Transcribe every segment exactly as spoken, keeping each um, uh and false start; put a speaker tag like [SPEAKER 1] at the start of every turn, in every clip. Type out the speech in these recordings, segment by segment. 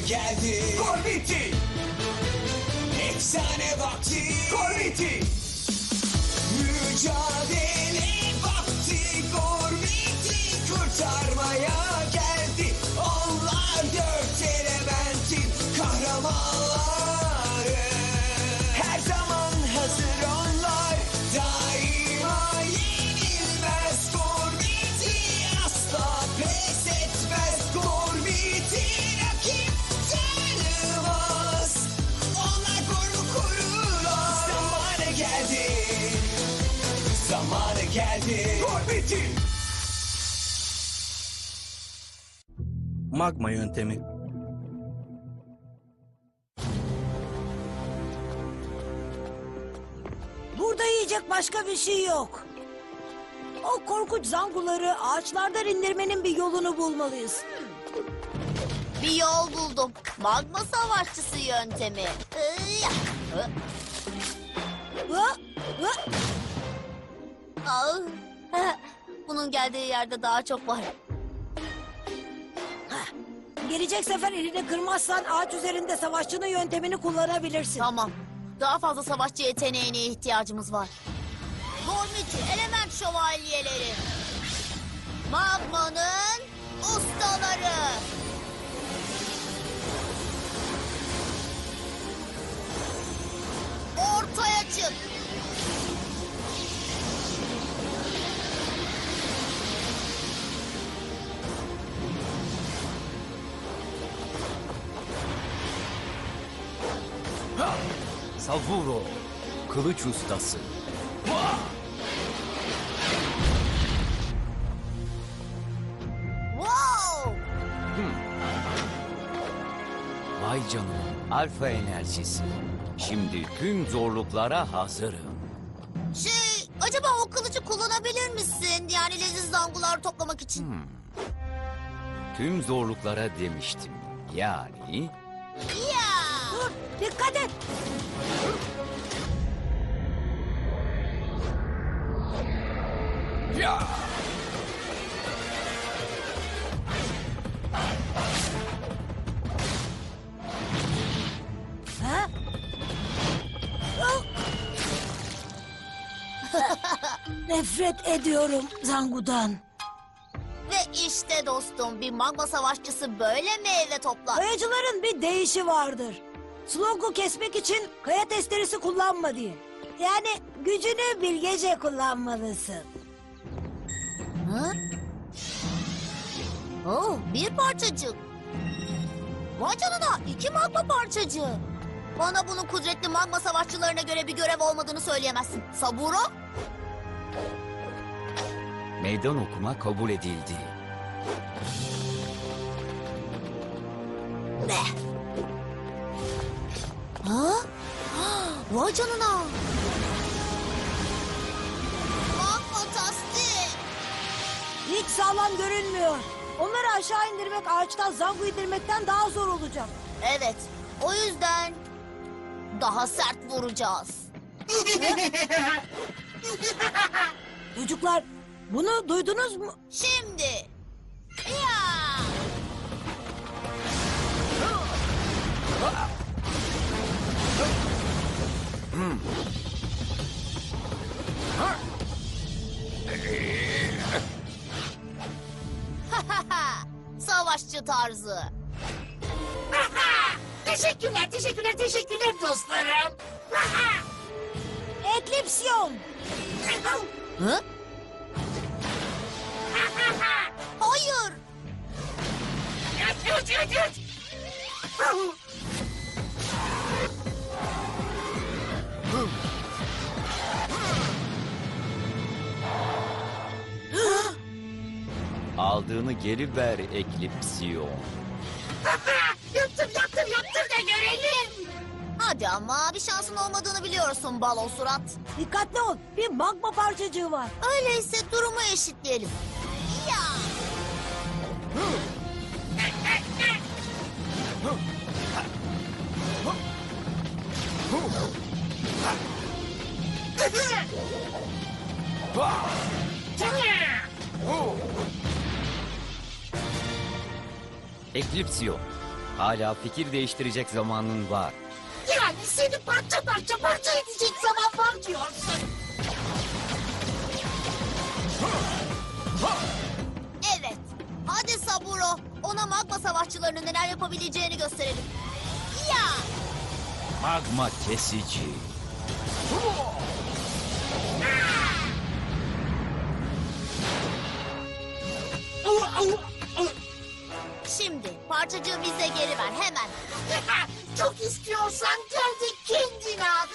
[SPEAKER 1] geldi.
[SPEAKER 2] Gormiti!
[SPEAKER 1] Efsane vakti.
[SPEAKER 2] Gormiti!
[SPEAKER 1] Mücadele vakti. Gormiti kurtarmaya geldi. Onlar dört elementin kahramanları. Her zaman hazır onlar. Daima yenilmez. Gormiti asla pes etmez. Gormiti rakip tanımaz. Onlar gormu korurlar. Zamanı geldi. Zamanı geldi.
[SPEAKER 2] Gormiti!
[SPEAKER 3] Magma yöntemi.
[SPEAKER 4] Burada yiyecek başka bir şey yok. O korkunç zanguları ağaçlardan indirmenin bir yolunu bulmalıyız.
[SPEAKER 5] Bir yol buldum. Magma savaşçısı yöntemi. Iya. Hı.
[SPEAKER 4] Hı? Hı?
[SPEAKER 5] Ah. Bunun geldiği yerde daha çok var.
[SPEAKER 4] Gelecek sefer elini kırmazsan ağaç üzerinde savaşçının yöntemini kullanabilirsin.
[SPEAKER 5] Tamam. Daha fazla savaşçı yeteneğine ihtiyacımız var. Gormiti element şövalyeleri. Magma'nın ustaları. Ortaya çık.
[SPEAKER 6] Savuro, kılıç ustası.
[SPEAKER 5] Wow!
[SPEAKER 6] Vay canına, alfa enerjisi. Şimdi tüm zorluklara hazırım.
[SPEAKER 5] Şey, acaba o kılıcı kullanabilir misin? Yani leziz zangular toplamak için.
[SPEAKER 6] Tüm zorluklara demiştim. Yani...
[SPEAKER 5] Ya!
[SPEAKER 4] Dur, dikkat et.
[SPEAKER 2] Ya!
[SPEAKER 4] Ha? Oh! Nefret ediyorum zangudan.
[SPEAKER 5] Ve işte dostum, bir magma savaşçısı böyle meyve toplar.
[SPEAKER 4] Kayacıların bir deyişi vardır. Slog'u kesmek için kaya testeresi kullanma diye. Yani gücünü bilgece kullanmalısın.
[SPEAKER 5] Hı? Oh, bir parçacık. Vay canına, iki magma parçacığı. Bana bunun kudretli magma savaşçılarına göre bir görev olmadığını söyleyemezsin. Saburo?
[SPEAKER 6] Meydan okuma kabul edildi.
[SPEAKER 5] Ne? Ha? Vay canına. Fantastik.
[SPEAKER 4] Hiç sağlam görünmüyor. Onları aşağı indirmek ağaçtan zangu indirmekten daha zor olacak.
[SPEAKER 5] Evet, o yüzden daha sert vuracağız.
[SPEAKER 4] Çocuklar bunu duydunuz mu?
[SPEAKER 5] Şimdi. Ya! Savaşçı tarzı.
[SPEAKER 7] Teşekkürler, teşekkürler, teşekkürler dostlarım.
[SPEAKER 4] Eklipsiyon.
[SPEAKER 5] Hı? Hayır.
[SPEAKER 7] Yut, yut, yut, yut.
[SPEAKER 6] Aldığını geri ver Eklipsiyon.
[SPEAKER 7] Yaptım, yaptım, yaptım da görelim.
[SPEAKER 5] Hadi ama bir şansın olmadığını biliyorsun balo surat.
[SPEAKER 4] Dikkatli ol. Bir magma parçacığı var.
[SPEAKER 5] Öyleyse durumu eşitleyelim. Ya!
[SPEAKER 6] Eklipsiyon, Hala fikir değiştirecek zamanın var.
[SPEAKER 7] Yani seni parça parça parça edecek zaman var diyorsun.
[SPEAKER 5] Evet. Hadi Saburo. Ona magma savaşçılarının neler yapabileceğini gösterelim. Ya!
[SPEAKER 6] Magma kesici.
[SPEAKER 5] Şimdi parçacığı bize geri ver hemen.
[SPEAKER 7] Çok istiyorsan gel de kendin al.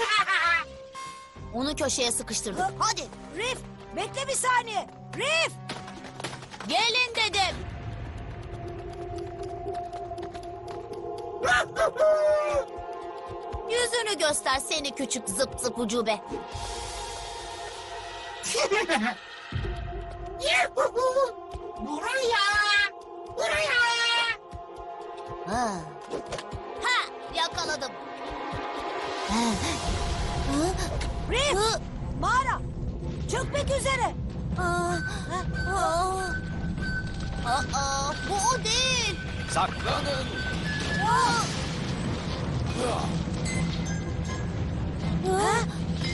[SPEAKER 5] Onu köşeye sıkıştırdık. Hadi.
[SPEAKER 4] Rif, bekle bir saniye. Rif!
[SPEAKER 5] Gelin dedim. Yüzünü göster seni küçük zıp zıp ucube.
[SPEAKER 7] Yuhu! Buraya! Buraya!
[SPEAKER 5] Ha. Ha, yakaladım.
[SPEAKER 4] Rif!
[SPEAKER 5] Hı.
[SPEAKER 4] Mağara! Çökmek üzere.
[SPEAKER 5] Aa, aa. Aa, bu o değil.
[SPEAKER 6] Saklanın.
[SPEAKER 5] Aa. Ha?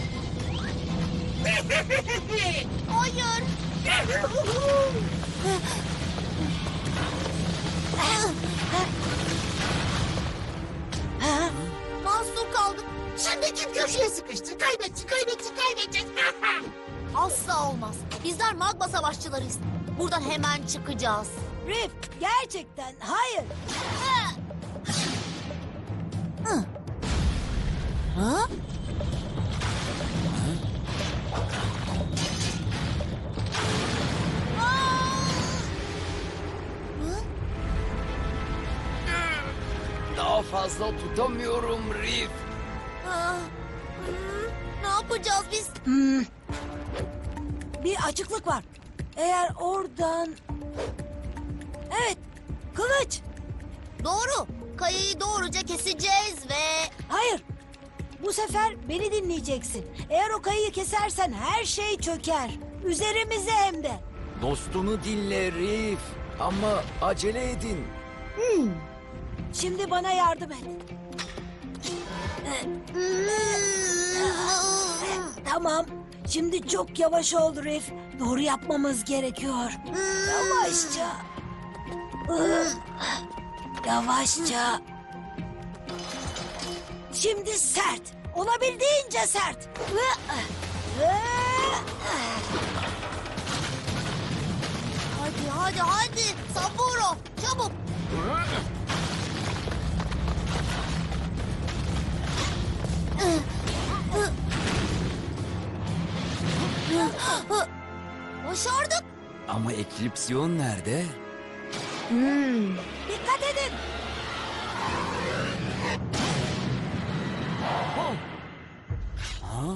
[SPEAKER 5] Hayır.
[SPEAKER 4] Ha?
[SPEAKER 5] Mahsur kaldık.
[SPEAKER 7] Şimdi kim köşeye sıkıştı? Kaybetti, kaybetti, kaybetti.
[SPEAKER 5] Asla olmaz. Bizler magma savaşçılarıyız. Buradan hemen çıkacağız.
[SPEAKER 4] Rif, gerçekten hayır.
[SPEAKER 5] Ha? Hı. Ha?
[SPEAKER 6] Daha fazla tutamıyorum Rif.
[SPEAKER 5] Aa, hı, ne yapacağız biz?
[SPEAKER 4] Hmm. Bir açıklık var. Eğer oradan... Evet, kılıç.
[SPEAKER 5] Doğru. Kayayı doğruca keseceğiz ve...
[SPEAKER 4] Hayır. Bu sefer beni dinleyeceksin. Eğer o kayayı kesersen her şey çöker. Üzerimize hem de.
[SPEAKER 6] Dostunu dinle Rif. Ama acele edin.
[SPEAKER 4] Şimdi bana yardım et. Tamam. Şimdi çok yavaş oldu Rif. Doğru yapmamız gerekiyor. Yavaşça. Yavaşça. Şimdi sert. Olabildiğince sert.
[SPEAKER 5] Hadi hadi hadi. Saburo çabuk. Başardık.
[SPEAKER 6] Ama Eklipsiyon nerede?
[SPEAKER 4] Dikkat edin.
[SPEAKER 6] Ha?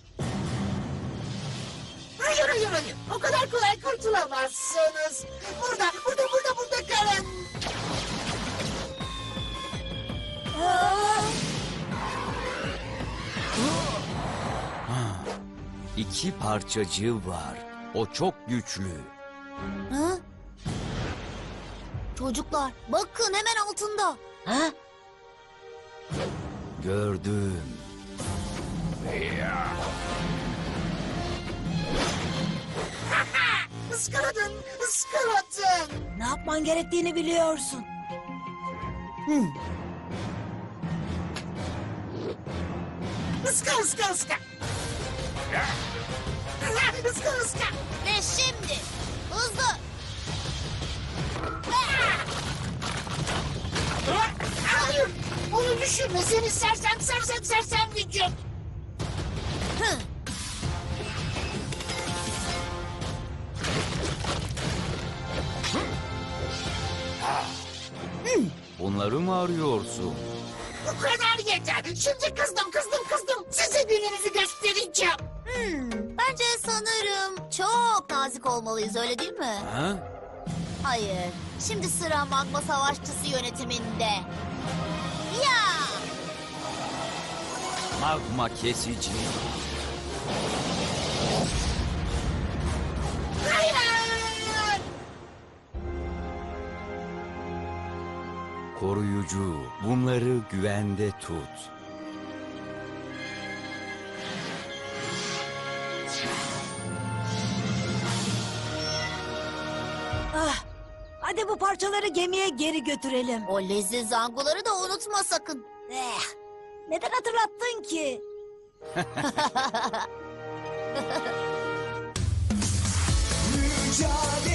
[SPEAKER 7] Hayır, hayır, hayır. O kadar kolay kurtulamazsınız. Burada, burada, burada, burada kalın.
[SPEAKER 6] İki parçacığı var. O çok güçlü.
[SPEAKER 5] Ha? Çocuklar bakın hemen altında.
[SPEAKER 4] Ha?
[SPEAKER 6] Gördüm.
[SPEAKER 7] Iskaladın, ıskaladın.
[SPEAKER 4] Ne yapman gerektiğini biliyorsun.
[SPEAKER 7] Iska, ıska, ıska. Iska, ıska.
[SPEAKER 5] Ve şimdi hızlı.
[SPEAKER 7] Hayır, bunu düşünme. Seni sersem, sersem, sersem vücut.
[SPEAKER 5] Hı.
[SPEAKER 6] Bunları mı arıyorsun?
[SPEAKER 7] Bu kadar yeter. Şimdi kızdım, kızdım, kızdım. Size gününüzü göstereceğim.
[SPEAKER 5] Hmm, bence sanırım çok nazik olmalıyız öyle değil mi?
[SPEAKER 6] Ha?
[SPEAKER 5] Hayır. Şimdi sıra magma savaşçısı yönetiminde. Ya!
[SPEAKER 6] Magma kesici.
[SPEAKER 7] Hayır!
[SPEAKER 6] koruyucu. Bunları güvende tut.
[SPEAKER 4] Ah, hadi bu parçaları gemiye geri götürelim.
[SPEAKER 5] O leziz zangoları da unutma sakın.
[SPEAKER 4] Eh, neden hatırlattın ki?
[SPEAKER 1] Mücadele